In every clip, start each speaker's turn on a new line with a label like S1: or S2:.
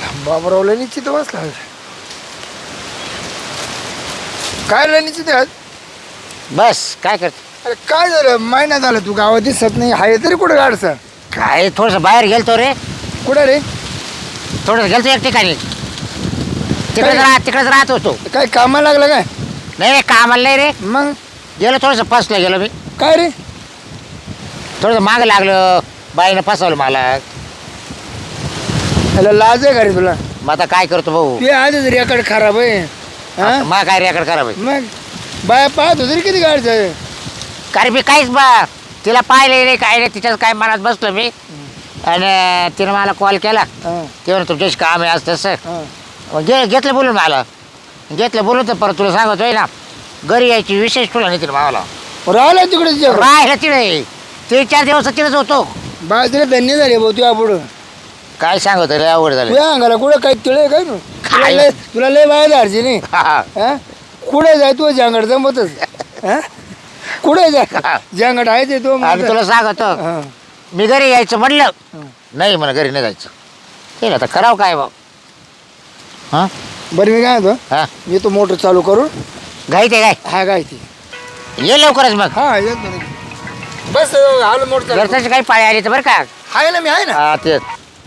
S1: बाबरावला निश्चित बसला काय निश्चित आज
S2: बस काय करते
S1: अरे काय झालं महिना झाला तू गावात दिसत नाही आहे तरी कुठं गाडचं
S2: काय थोडंसं बाहेर गेलतो रे
S1: कुठं रे
S2: थोडंसं गेलतो एक ठिकाणी तिकडेच राहत होतो
S1: काय कामाला लागलं काय
S2: नाही रे कामाला नाही रे
S1: मग
S2: गेलो थोडंसं फसलं गेलो मी
S1: काय रे
S2: थोडंसं मागं लागलं बाईनं फसवलं मला
S1: त्याला लाज आहे का रे तुला
S2: मग आता काय करतो भाऊ
S1: ते आधीच रेकॉर्ड खराब आहे हा?
S2: मग काय रेकॉर्ड करा भाई
S1: मग बाया पाहत होती रे किती गाडचं
S2: कारण मी काहीच बा तिला पाहिले नाही काय नाही तिच्याच काय मनात बसलो मी आणि तिनं मला कॉल केला ते म्हणून तुमच्याशी काम आहे असं तसं मग घेतलं बोलून मला घेतलं बोलून तर परत तुला सांगतोय ना घरी यायची विशेष तुला नाही तिला मावाला
S1: राहिला तिकडे
S2: राहिलं तिळे 3-4 दिवस तिथेच होतो
S1: बाय तिला धन्य झाले भाऊ तुझ्या पुढं
S2: काय सांगतो रे अवघड झालं
S1: तुझ्या अंगाला कुठं काय तिळे काय तू
S2: काय?
S1: तुला लय बाया धाडची नाही
S2: हा.
S1: हा? कुठे जाय तू जांगड जमतच हा? कुठे जाय जांगड आहे ते तो
S2: आणि तुला सांगतो
S1: हा.
S2: मी घरी यायचं म्हणलं नाही मला घरी नाही जायचं ते आता करावं काय भाऊ हां
S1: बरं मी काय म्हणतो
S2: हां
S1: मी तो मोटर चालू करून
S2: घाई ते काय
S1: हा काय ती
S2: ये लवकरच मग
S1: हा येतो ना. बस आलो मोटर चालू
S2: घरच्याची काही पाळी आली तर बरं का
S1: आहे ना मी आहे ना
S2: हा तेच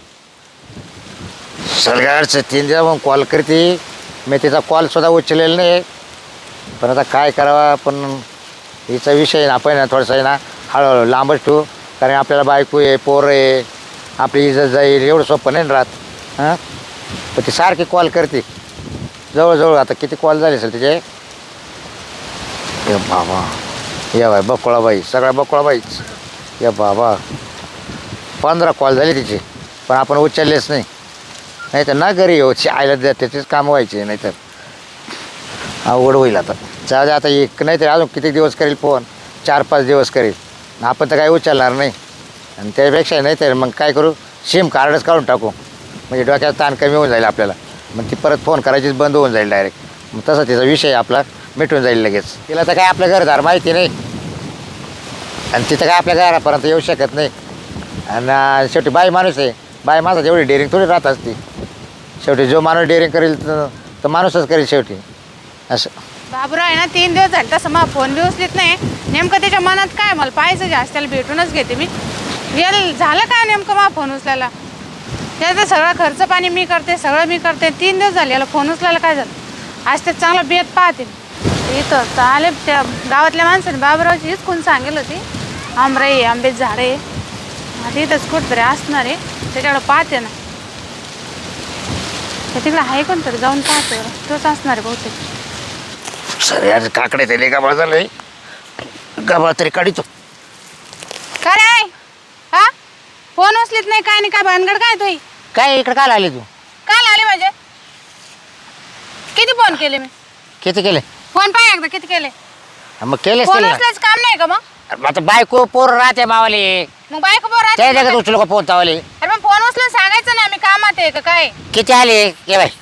S2: सरकारचं 3 दिवस मग कॉल करते मी तिचा कॉल सुद्धा उचललेला नाही पण आता काय करावा पण हिचा विषय ना आपण ना थोडासा आहे ना हळूहळू लांबच ठेवू कारण आपल्याला बायको आहे पोरं आहे आपली इज्जत जाईल एवढं सोपं नाही ना राहत हां पण ती सारखी कॉल करते जवळजवळ आता किती कॉल झाले असेल तिचे ये बाबा या बाई बकुळाबाई सगळ्या बकुळाबाईच या बाबा 15 कॉल झाले तिचे पण आपण उचललेच नाही तर ना घरी येऊ आईला त्याचेच काम व्हायचे नाहीतर अवघड होईल आता जाऊ दे आता एक नाही तर अजून किती दिवस करेल फोन 4-5 दिवस करेल आपण तर काही उचलणार नाही आणि त्यापेक्षा नाही तर मग काय करू सिम कार्डच काढून टाकू म्हणजे डोक्याचा ताण कमी होऊन जाईल आपल्याला मग ती परत फोन करायचीच बंद होऊन जाईल डायरेक्ट मग तसा तिचा विषय आपला मिटून जाईल लगेच तिला तर काय आपलं घरदार माहिती नाही आणि तिथं काय आपल्या घरापर्यंत येऊ शकत नाही आणि शेवटी बाई माणूस आहे बाई माझा जेवढी डेअरिंग थोडी राहत असते शेवटी जो माणूस डेअरिंग करेल तर माणूसच करेल शेवटी असं
S3: बाबराव आहे ना 3 दिवस झाले तसं मला फोन बी उचलीत नाही नेमकं त्याच्या मनात काय मला पाहायचं जास्त त्याला भेटूनच घेते मी झालं काय नेमकं मला फोन उचलायला त्याचं सगळं खर्च पाणी मी करते सगळं मी करते 3 दिवस झाले याला फोन उचलायला काय झालं आज ते चांगला बेत पाहते इथं आले त्या गावातल्या माणसाने बाबरावची हीच कोण सांगेल होती आमराई आंबेच झाडे आता इथंच कुठतरी असणार आहे त्याच्याकडं पाहते ना तिकडे आहे कोणतरी जाऊन पाहते तोच असणार आहे बहुतेक
S2: सर यार काकडे ते गाबाळ झालंय गाबाळ तरी काढितो
S3: काय रे हा फोन उचलीत नाही काय नाही काय भानगड काय तुही
S2: काय इकडे काय आली तू
S3: काल आले म्हणजे किती फोन केले मी
S2: किती केले
S3: फोन पाय एकदा किती केले
S2: मग केलेच
S3: फोन
S2: केले ना.
S3: उचलायचं काम नाही का मग
S2: आता बायको पोर राहते मावाले
S3: मग बायको बोर
S2: त्या जगात उचलू का फोन तावले
S3: अरे मग फोन उचलून सांगायचं ना मी कामात आहे का काय
S2: किती आले ये बाय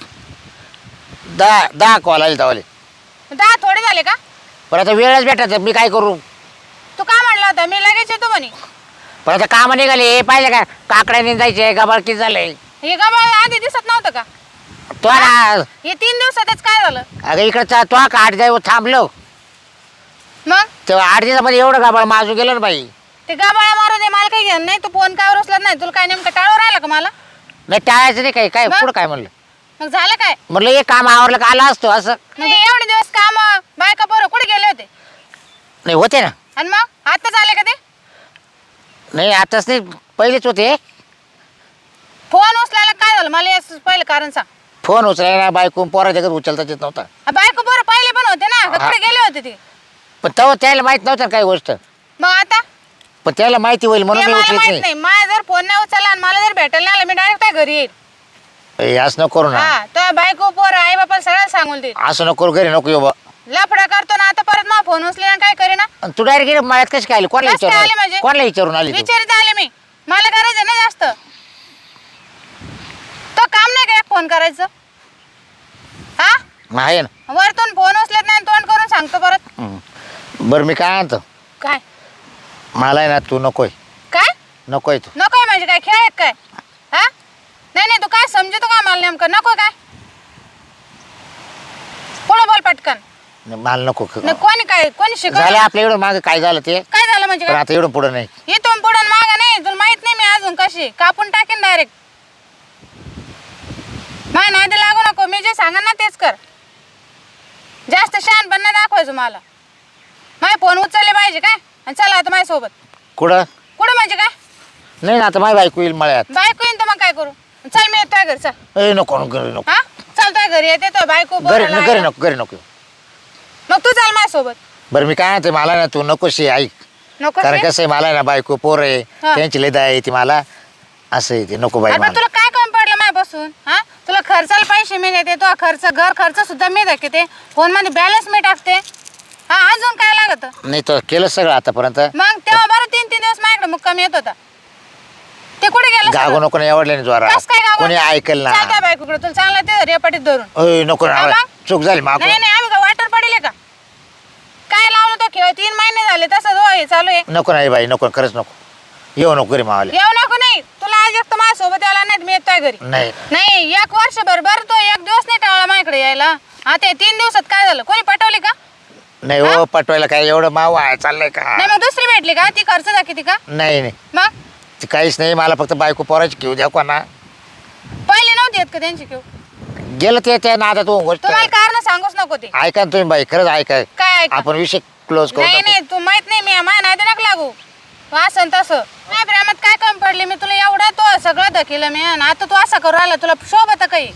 S2: 10 कॉल आले तावले
S3: 10 थोडे झाले का
S2: पण आता वेळच भेटत मी काय करू
S3: तू का म्हणला होता मी लगेच येतो म्हणे
S2: पण आता काम निघाले पाहिजे का काकड्याने जायचे गाबाळ किती झालंय
S3: हे गाबा आधी दिसत नव्हतं का
S2: तो ना
S3: हे 3 दिवसातच काय झालं
S2: अगं इकडचा तो का 8 दिवस थांबलो
S3: मग
S2: तेव्हा 8 दिवसामध्ये एवढं गाबाळ माजू गेलं ना बाई
S3: ते गाबाळा मारू दे मला काही घेणं नाही तू फोन काय उचलत नाही तुला काय नेमकं टाळू राहिला का मला
S2: नाही टाळायचं नाही काय
S3: मग?
S2: पुढं काय म्हणलं
S3: मग झालं काय
S2: म्हणलं हे काम आवरलं का आला असतो असं
S3: मग एवढे दिवस काम बायका बरं कुठे गेले होते
S2: नाही होते ना
S3: आणि मग आताच आले का ते
S2: नाही आताच नाही पहिलेच होते
S3: फोन उचलायला काय झालं मला याचं पहिलं कारण सांग
S2: फोन उचलायला बायको पोरा जगत उचलता येत नव्हता
S3: बायको बरं पहिले पण होते ना का कुठे गेले होते ते
S2: पण तेव्हा त्याला माहित नव्हतं ना काही गोष्ट
S3: मग आता
S2: पण त्याला माहिती होईल म्हणून
S3: ते
S2: मी
S3: मला
S2: उचलत
S3: माहित
S2: नाही
S3: नाही माझा जर फोन नाही उचलला आणि मला जर भेटायला नाही आलं मी डायरेक्ट काय घरी येईल
S2: ए, असं नको करू ना
S3: हा तर बायको पोर आई बापा सगळ्याला सांगून देईल
S2: असं नको करू घरी नको येऊ बा
S3: लफडा करतो ना आता परत मग फोन उचले काय करीना
S2: आणि तू डायरेक्ट मळ्यात कशी काय आली कोणाला
S3: कसं काय आली
S2: विचारून
S3: म्हणजे?
S2: कोणाला विचारून आली तू
S3: विचारित आले मी मला गरज आहे ना जास्त तो काम नाही का फोन करायचं हा
S2: आहे ना
S3: वरतून फोन उचलत नाही तोंड करून सांगतो परत
S2: बरं मी काय आणतो
S3: काय
S2: मला आहे ना तू नकोय
S3: काय
S2: नकोय तू
S3: नकोय म्हणजे काय खेळ आहेत काय हा नाही नाही, तू काय समजतो का मला नेमकं? नको काय पुढं बोल पटकन.
S2: नाही, मला नको
S3: नाही, कोणी
S2: झालं
S3: शिकवलं?
S2: आपल्या एवढं मागं काय झालं ते,
S3: काय झालं म्हणजे
S2: पण
S3: काय?
S2: आता एवढं पुढं नाही.
S3: इथून पुढं मागा नाही, तुला माहित नाही मी अजून कशी कापून टाकेन डायरेक्ट. माझ्या नादी लागू नको, मी जे सांगेन ना तेच कर. जास्त शहाणपण नाही दाखवायचं मला. माझे फोन उचलले पाहिजे काय? आणि चला आता माझ्यासोबत.
S2: कुठं
S3: कुठं म्हणजे काय?
S2: नाही ना, आता माझी बायको येईल मळ्यात.
S3: बायको येईन तर मग काय करू? चल मी येतोय घरी, चल.
S2: ए नको नको घरी नको
S3: हा चालतोय घरी येते तो बायको
S2: घरी
S3: बोलायला
S2: घरी
S3: आल्या.
S2: नको घरी नको.
S3: मग तू चाल माझ्यासोबत.
S2: बरं मी काय म्हणते, मला ना तू नकोशी ऐक.
S3: नको
S2: कारण कसं आहे, मला आहे ना बायको पोर आहे,
S3: हा.
S2: त्यांची लय दया येते मला. असं आहे ते, नको बाई
S3: अरे पण
S2: मला.
S3: तुला काय कमी पडलं माझ्यापासून? हा तुला खर्चाला पैसे मी देते, तो खर्च घर खर्च सुद्धा मी देते, फोन मध्ये बॅलन्स मी टाकते. हा अजून काय लागत?
S2: नाही तर केलं सगळं आतापर्यंत.
S3: मग तेव्हा बरं 3-3 दिवस माझ्याकडे मुक्काम येत होता. ते कुठे गेलं
S2: गागो
S3: सगळं?
S2: नको ना एवढल्या नाही जोरा,
S3: कस काय गावात?
S2: कोणी ऐकल ना.
S3: चाल त्या बायकोकडे, तुला चांगला ते रेपाटीत धरून.
S2: ओय नको ना,
S3: हा मग?
S2: चूक झाली मागून.
S3: नाही नाही, आम्ही का वाटर पडेल का? काय लावलं तो खेळ? 3 महिने झाले तसंच हे चालू आहे.
S2: नको नाही बाई, नको खरंच नको. येऊ नको घरी मावाले.
S3: येऊ नको नाही, तुला आज एक तर माझ्यासोबत यायला नाही, मी येतोय घरी.
S2: नाही
S3: नाही 1 वर्षभर बरं, तो 1 दिवस नाही टाळला माझ्याकडे यायला. आता 3 दिवसात काय झालं? कोणी पटवली का?
S2: नाही हो, पटवायला काय एवढं माव आहे चाललंय का?
S3: नाही मग दुसरी भेटली का? ती खर्च जा किती का?
S2: नाही नाही
S3: मग
S2: ते काहीच नाही, मला फक्त बायको पोराची घेऊ द्या कोणा.
S3: पहिले नव्हती येत का त्यांची किव?
S2: गेलं ते त्या नादात होऊन गोष्ट.
S3: तुम्हाला कारण सांगूच नको ते.
S2: ऐका ना तुम्ही बाई, खरंच ऐका.
S3: काय ऐका?
S2: आपण विषय क्लोज करू
S3: नाही
S2: टाकू.
S3: नाही, तू माहित नाही, मी माझ्या नादी नका लागू. तू असं तसं नाही, प्रेमात काय कमी पडली? मी तुला एवढं तो सगळं धकेलं मी, आणि आता तू असं करू राहिला, तुला शोभत काही?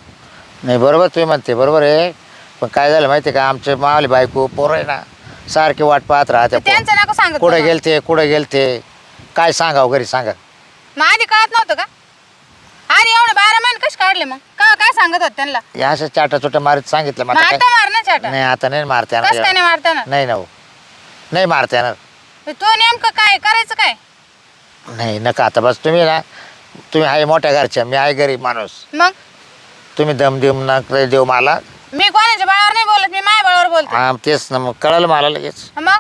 S2: नाही बरोबर तुम्ही म्हणते, बरोबर आहे. पण काय झालं माहिती का, आमचे मावले बायको पोरं आहे ना, सारखे वाट पाहत राहते.
S3: त्यांचं नको सांगत
S2: कुठे
S3: मला.
S2: गेलते कुठे गेलते काय सांगावं घरी सांगा.
S3: मग आधी कळत नव्हतं का? अरे एवढे 12 महिने कसे काढले मग? काय सांगत होत त्यांना?
S2: या अशा चाटा चोट्या मारीत सांगितलं
S3: मग
S2: मला काय.
S3: आता मार ना चाटा.
S2: नाही आता नाही मारते
S3: कसं काय नाही मारता येणार?
S2: नाही ना हो, नाही मारते येणार.
S3: तू नेमकं काय करायचं काय?
S2: नाही नका आता, बस तुम्ही ना, तुम्ही आहे मोठ्या घरच्या, मी आहे गरीब माणूस.
S3: मग
S2: तुम्ही दम देऊ नका देऊ मला.
S3: मी कोणाच्या बाळावर नाही बोलत, मी माझ्या बाळावर बोलते.
S2: हा तेच ना, मग कळलं मला लगेच.
S3: मग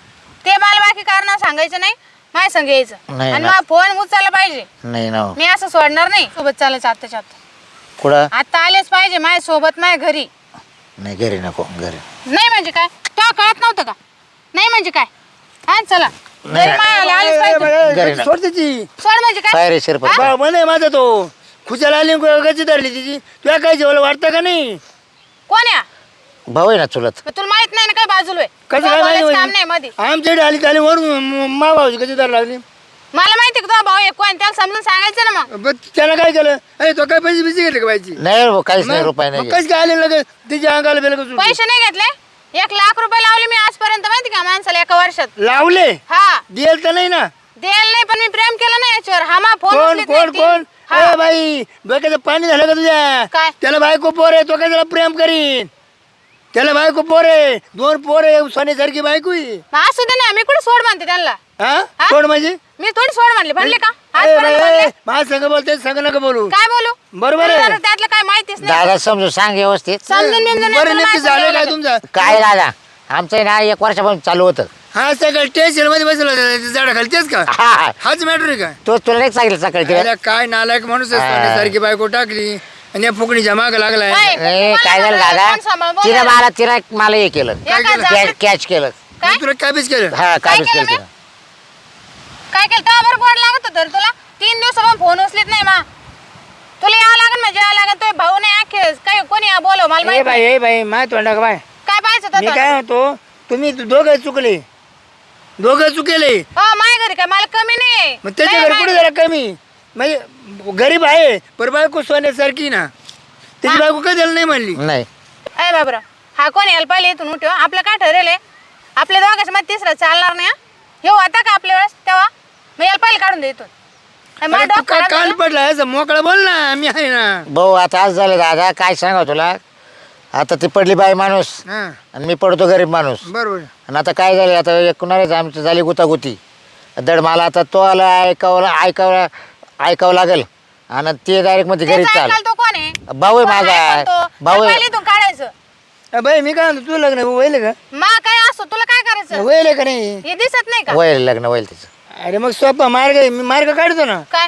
S3: ते मला बाकी कारण सांगायचं नाही, माझ्या संग यायचं.
S2: नाही
S3: आणि
S2: ना.
S3: मला फोन उचलला पाहिजे.
S2: नाही ना हो.
S3: मी असं सोडणार नाही. सोबत चालायचं आत्ताच्या आता.
S2: कुठं?
S3: आता आलेच पाहिजे माझ्या सोबत, माझ्या घरी.
S2: नाही घरी नको, घरी
S3: नाही म्हणजे काय? तुला कळत नव्हतं का? नाही म्हणजे काय? हा चला
S2: नाही.
S3: घरी माझ्या आलेच पाहिजे.
S2: घरी ना.
S1: सोड त्याची.
S3: सोड म्हणजे काय?
S2: काय रे शिरपत?
S1: म्हणे माझा तो खुशाला आली कशी धरली तिची, तुला काय जेवलं वाटतं का नाही?
S3: कोण या?
S2: भाऊ आहे ना चुलत.
S3: मग तुला माहित नाही ना काय बाजूला आहे?
S1: कसं
S3: तुला
S1: काय
S3: बोलायचं
S1: माहिती
S3: काम नाही मध्ये.
S1: आमच्याकडे आली त्याला वरून मा भाऊची कशी धर लागली.
S3: मला माहिती का तुझा भाऊ आहे कोण, त्याला समजून सांगायचं ना मग.
S1: बरं, त्यानं काय केलं? अरे तो काय पैसे बिसे घेतले का बाईची?
S2: नाही रे, काहीच नाही, रुपये नाही.
S1: कसं काय आले लगे तिच्या अंगाला बेल कसं
S3: पैसे नाही घेतले? 1 लाख रुपये लावले मी आजपर्यंत, माहिती का माणसाला 1 वर्षात.
S1: लावले?
S3: हा
S1: दिल तर नाही ना?
S3: द्यायला नाही, पण मी प्रेम केलं ना याच्यावर. हा मा फोन
S1: कोण
S3: उचलीत नाही
S1: कोण
S3: ती.
S1: कोण?
S3: हा.
S1: ए बाई, डोक्याचं पाणी झालं का तुझ्या?
S3: काय?
S1: त्याला बायको पोर आहे, तो काय त्याला प्रेम करीन? त्याला बायको पोर आहे, 2 पोर आहे, सोन्यासारखी बायको आहे.
S3: मग असू दे ना, मी कुठे सोड म्हणते त्यांना.
S1: हा
S3: हा?
S1: कोण म्हणजे?
S3: मी थोडी सोड म्हणले, म्हणले का?
S1: ए
S3: आजपर्यंत
S1: बाई,
S3: म्हणले.
S1: माझ्या संग बोलते, संग नका बोलू.
S3: काय बोलू?
S1: बरोबर आहे.
S3: तुला त्यातलं काय माहितीच नाही.
S2: दादा समजून सांग व्यवस्थित.
S3: समजून बिमजून नाही,
S1: बरं
S3: तुला
S1: नक्की
S3: माझं
S1: झालं
S3: द्यावं
S1: काय
S3: लागेल.
S1: तुमचं?
S2: काय दादा, आमचं आहे ना 1 वर्षापासून चालू होतं.
S1: हा सगळं टेन्शन मध्ये बसला झाडा खाली तेच का?
S2: हा
S1: हाच मॅटर आहे का?
S2: तो तुला नाही सांगितलं सकाळी तिला.
S1: अरे काय नालायक माणूस आहे,
S2: हा.
S1: सोन्यासारखी बायको टाकली आणि या फुकणीच्या माग लागलाय.
S3: काय?
S2: ए, काय झालं
S3: तुम्हाला
S2: दादा,
S3: कोण सांभाळून बोलायला?
S2: तिला हे केलं,
S3: काय केलं?
S2: कॅच केलं.
S3: काय?
S1: मग तुला काय बीस केलं?
S2: हा
S3: काय
S2: काबीज
S3: केलं
S2: केलं
S3: मी?
S2: तिला.
S3: काय केलं? तेव्हा बरं गोड लागत होतं रे तुला. 3 दिवसापासून फोन उचलीत नाही मा. तुला यावं लागेल म्हणजे यावं लागेल. तो भाऊ नाही आखे काय कोणी बोलव मला
S1: ए
S3: माहिती
S1: बाई ए बाई माय तोंडा का बाय.
S3: काय पाहायचं
S1: मी
S3: होतं
S1: काय
S3: तुला?
S1: म्हणतो, तुम्ही दोघं चुकले, दोघं चुकेले.
S3: हो माझ्या घरी काय मला कमी नाही.
S1: मग त्याच्या
S3: नाही,
S1: घरी कुठे
S3: माझ्या-
S1: जरा कमी म्हणजे गरीब आहे, पर बायको सोन्यासारखी ना. त्याची बायको काय त्याला नाही म्हणली?
S2: नाही
S3: अय बाबरा, हा कोण यायला पाहिजे इथून उठव. आपलं काय ठरेल आहे? आपल्या दोघांच्या मध्ये तिसरा चालणार नाही. हे होता का आपल्या वेळेस तेव्हा? मग यायला पहिले काढून दे इथून. अय, मला
S1: अरे तू
S3: डोकं
S1: काय
S3: खराब
S1: कान
S3: झालं.
S1: पडला असं मोकळा बोल ना, मी आहे ना.
S2: भाऊ आता आज झालं दादा, काय सांगा तुला. आता ती पडली बाई माणूस
S1: हा
S2: आणि मी पडतो गरीब माणूस.
S1: बरोबर.
S2: आणि आता काय झालं, आता एकूणच आमची झाली गुतागुती. दड मला आता तो आला ऐकावं लागेल. आणि ते डायरेक्ट मध्ये घरी
S3: त्याचं
S2: चाल.
S3: ऐकायला तो कोण आहे?
S2: भाऊ आहे
S3: कोण
S2: माझा.
S3: आहे पण तो?
S2: भाऊ आहे.
S3: पहिले इथून काढायचं.
S1: बाई मी काय म्हणतो, तू लग्न होईल का?
S3: मा काय असो, तुला काय करायचं?
S1: होईल का नाही?
S3: हे दिसत नाही का?
S2: होईल लग्न होईल तिचं.
S1: अरे मग सोपा मार्ग आहे, मी मार्ग काढतो ना.
S3: काय?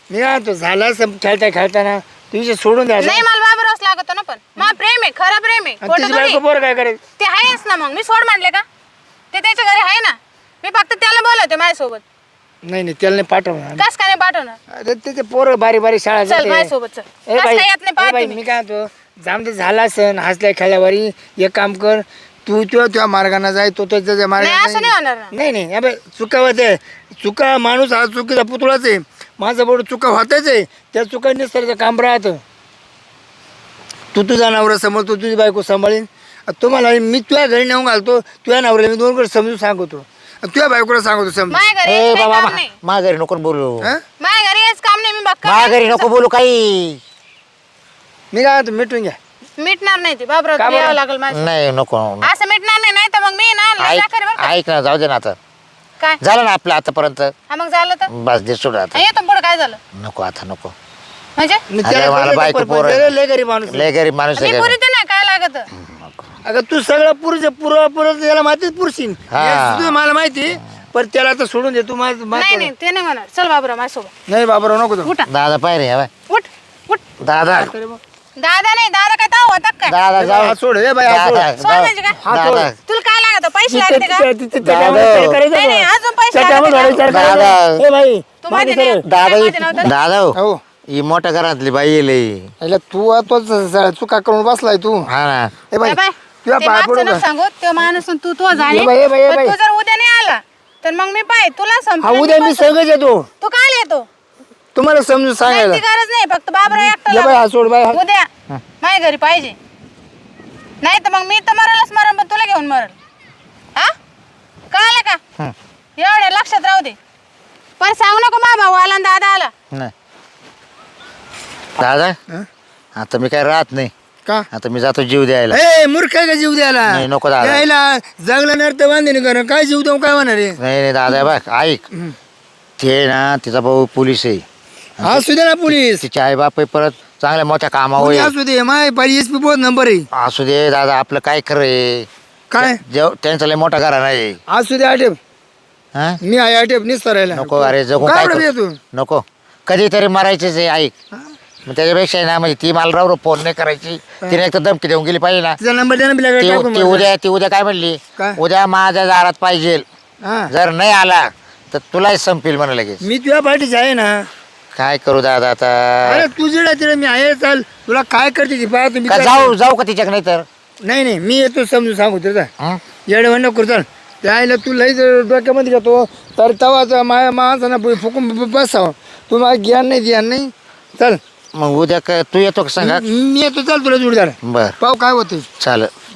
S1: मी काय तो झाला असं खेळता खेळताना तुझे सोडून द्यायचं
S3: नाही मला बाबूरावच लागतो ना पण मा प्रेम आहे खरं प्रेम आहे
S1: आणि
S3: खोटं
S1: तुझी
S3: थोडी.
S1: बायको पोर काय करेल
S3: ते आहेच ना मग मी सोड म्हणले का ते त्याच्या घरी आहे ना मी फक्त त्याला बोलवते माझ्यासोबत
S1: नाही नाही त्याला नाही पाठवणार
S3: कस काय नाही पाठवणार
S1: अरे त्याचे पोरं बारी बारी शाळा
S3: चल
S1: जाते.
S3: माझ्यासोबत चल
S1: ए
S3: कस
S1: बाई,
S3: काय येत नाही
S1: ए
S3: पाहते
S1: बाई,
S3: मी.
S1: मी काय म्हणतो जामते झाला असन हसल्या खेळल्यावारी एक काम कर तू तुझ्या मार्गाने जाय तो त्याच्या
S3: नाही
S1: मार्गाने
S3: असं नाही होणार ना
S1: नाही नाही अबे चुका होते चुका माणूस हा चुकीचा पुतळाच आहे माझं बोट चुका होताच आहे त्या चुका निसर्ग काम राहतं तू तुझा नवरा समोर तू तुझी बायको सांभाळीन तुम्हाला मी तुझ्या घरी नेऊन घालतो तुझ्या नवऱ्याला मी दोन कडे समजून सांगतो तुझ्या बायकोला सांगतो समजून
S3: माझ्या घरी
S2: ए
S3: यायचं काही
S2: बाबा
S3: काम नाही
S2: माझ्या घरी नको बोलू
S1: हं?
S3: माझ्या घरी यायचं काम नाही मी बघ
S2: माझ्या घरी नको बोलू काही
S1: मी काय म्हणतो मिटून घ्या
S3: मिटणार नाही ते बाबराव
S1: का
S3: तुला
S1: बरं?
S3: यावं लागेल माझं
S2: नाही नको
S3: असं मिटणार नाही तर मग मी ना लय
S2: ऐक
S3: करेन बरं का.
S2: ऐक ना जाऊ दे ना आता
S3: काय
S2: झालं ना आपलं आतापर्यंत
S3: हा मग झालं तर
S2: बस दे सोड आता
S3: येतो पुढे काय झालं
S2: नको आता नको
S3: म्हणजे
S1: मी
S2: अरे
S1: त्याला
S2: मला
S1: बोललो
S2: बायको
S1: पण
S2: पोरं.
S1: त्याला लय गरीब माणूस आहे.
S2: लय गरीब माणूस
S3: मी
S2: आहे
S3: पुरी ते नाही काय लागत
S1: अगं तू सगळं पुरुष पुरं त्याला माहितीच पुरुषीन
S2: हा.
S1: मला माहिती पण त्याला आता सोडून दे तू
S3: नाही नाही ते नाही म्हणणार चल बाबराव माझ्यासोबत
S1: नाही बाबा नको तू
S3: उठा
S2: दादा पाय रे
S3: उठ उठ
S2: दादा
S3: दादा नाही दादा काय ताव होता काय
S2: दादा जाऊ
S1: हात सोड हे बाई हात सोड.
S2: दादा
S3: सोड म्हणजे काय
S1: हात
S2: दादा
S3: तुला काय लागत पैसे
S1: तिथे-
S3: लागते का
S1: तिथे- तिथे- तिथे
S2: दादा.
S1: त्याच्यामध्ये विचार करायचा
S3: नाही, नाही,
S1: का?
S3: अजून पैसे
S1: त्याच्यामध्ये
S3: लागते
S1: विचार
S2: का?
S1: करायचा.
S2: दादा.
S1: हे बाई
S3: तू
S1: मागे
S3: मध्ये
S1: सरळ.
S3: नाही.
S2: दादा
S3: काय माहिती नव्हतं?
S2: दादा
S1: हो
S2: ही मोठ्या घरातली बाई येले
S1: याला तू तोच चुका करून बसलाय तू
S2: हा ना
S1: हे बाई
S3: ए बाय,
S1: तुझ्या
S3: ते
S1: पाय
S3: मागचं
S1: पडू
S3: नको
S1: का?
S3: सांगू तो माणूस आणि तू झाली
S1: ए बाई, ए बाई, ए
S3: पण
S1: बाई.
S3: तू जर उद्या नाही आला तर मग मी पाय तुला
S1: हा
S3: संपलं
S1: उद्या मी सगळं येतो
S3: तू काय येतो
S1: तुम्हाला समजून सांगायला
S3: ती गरज नाही फक्त बाबराव एकटा
S1: ये बाई
S3: लावा.
S1: हात सोड बाई
S3: उद्या माझ्या घरी पाहिजे नाही तर मग मी तर मरलच मरण पण तुला घेऊन मरल हा कळालं का
S2: हं.
S3: एवढ्या लक्षात राहू दे पण सांगू नको मा भाऊ आला आणि दादा आला
S2: नाही दादा
S1: हं?
S2: आता मी काय राहत नाही
S1: का
S2: आता मी जातो जीव द्यायला
S1: ए मूर्ख आहे का जीव द्यायला
S2: नाही, नको दादा.
S1: यायला जगलं नाही तर बांधणे कर काय जीव देऊ काय होणार आहे
S2: नाही नाही दादा बघ ऐक
S1: हं.
S2: ते ना तिचा भाऊ पोलीस आहे
S1: असू दे ना पोलीस
S2: तिचे आई बाप परत चांगल्या मोठ्या कामावर
S1: कोणी
S2: आहे.
S1: असू दे माय पाहिजे एस पी बहुत नंबर आहे
S2: असू दे दादा आपलं काय खरं आहे
S1: काय
S2: त्यांचा लय मोठा घरा नाही
S1: असू दे आटेप
S2: हं?
S1: मी आहे आटेप निसरायला
S2: नको अरे जगू
S1: काय
S2: काय
S1: बरं
S2: करू?
S1: तू
S2: नको कधीतरी मरायचेच आहे ऐक मग त्याच्यापेक्षा आहे ना म्हणजे ती मला राव फोन नाही करायची तिने एक तर धमकी देऊन गेली पाहिजे ना
S1: तिचा नंबर द्या ना बिलाकडे टाकून
S2: ती
S1: मला.
S2: ती उद्या काय म्हणली
S1: काय?
S2: उद्या माझ्या दारात पाहिजे
S1: हा.
S2: जर नाही आला तर तुलाही संपेल म्हणा लगेच
S1: मी तुझ्या पाठीची आहे ना
S2: काय करू दादा आता
S1: अरे तू जिडा तिला मी आहे चाल तुला काय करते ती पाहा तुम्ही
S2: का जाऊ जाऊ का तिच्याक नाही तर
S1: नाही नाही मी येतो समजून सांगू तुझा
S2: हं?
S1: येडे म्हणणं करू चल त्याला तू लई डोक्यामध्ये घेतो तर तवाचा माणसांना फुकून बसावं तू मला ज्ञान नाही ध्यान नाही चल
S2: मग उद्या काय तू येतो का सांगा
S1: मी येतो चल तुला जोडदार
S2: बर
S1: पाहू काय होतं
S2: चालेल